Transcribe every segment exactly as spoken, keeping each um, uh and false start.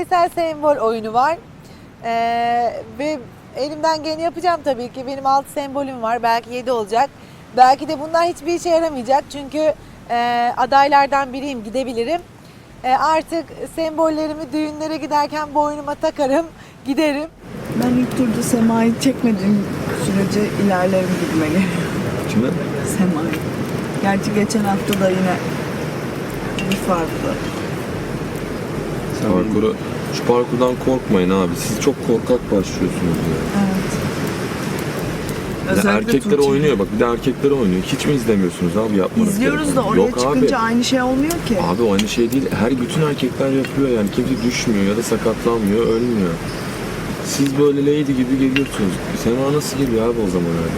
yüzeysel sembol oyunu var. Ee, ve elimden geleni yapacağım tabii ki. Benim altı sembolüm var. Belki yedi olacak. Belki de bunlar hiçbir işe yaramayacak. Çünkü e, adaylardan biriyim, gidebilirim. E, artık sembollerimi düğünlere giderken boynuma takarım, giderim. Ben ilk turda Sema'yı çekmediğim sürece ilerlerim gibime geliyor. Kimi? Sema'yı. Gerçi geçen hafta da yine bir farklı. Parkuru, şu parkurdan korkmayın abi. Siz çok korkak başlıyorsunuz ya. Evet. Bir de erkekler Tuğçe. oynuyor bak, bir de erkekler oynuyor. Hiç mi izlemiyorsunuz abi yapmanız İzliyoruz gerekeni? da oraya Yok çıkınca abi. aynı şey olmuyor ki. Abi o aynı şey değil. Her bütün erkekler yapıyor yani. Kimse düşmüyor ya da sakatlanmıyor, ölmüyor. Siz böyle lady gibi geliyorsunuz. Sema nasıl geliyor abi o zaman öyle?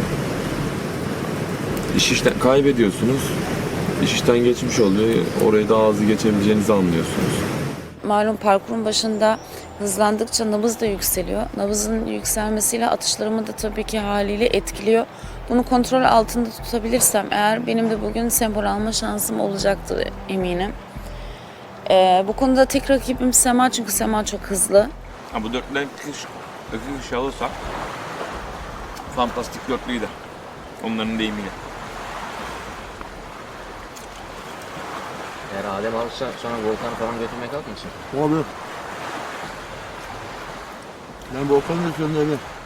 İş işten kaybediyorsunuz. İş işten geçmiş oluyor. Orayı daha hızlı geçebileceğinizi anlıyorsunuz. Malum parkurun başında hızlandıkça nabız da yükseliyor. Nabızın yükselmesiyle atışlarımı da tabii ki haliyle etkiliyor. Bunu kontrol altında tutabilirsem eğer benim de bugün sembol alma şansım olacaktır eminim. Ee, bu konuda tek rakibim Sema çünkü Sema çok hızlı. Ha, bu dörtlüden iki kişi, iki kişi alırsak fantastik dörtlüydü. Onların deyimiyle. Eğer Adem alırsa sonra Volkan'ı falan götürmeye kalkmasın. Abi. Ben Volkan'ın üstünde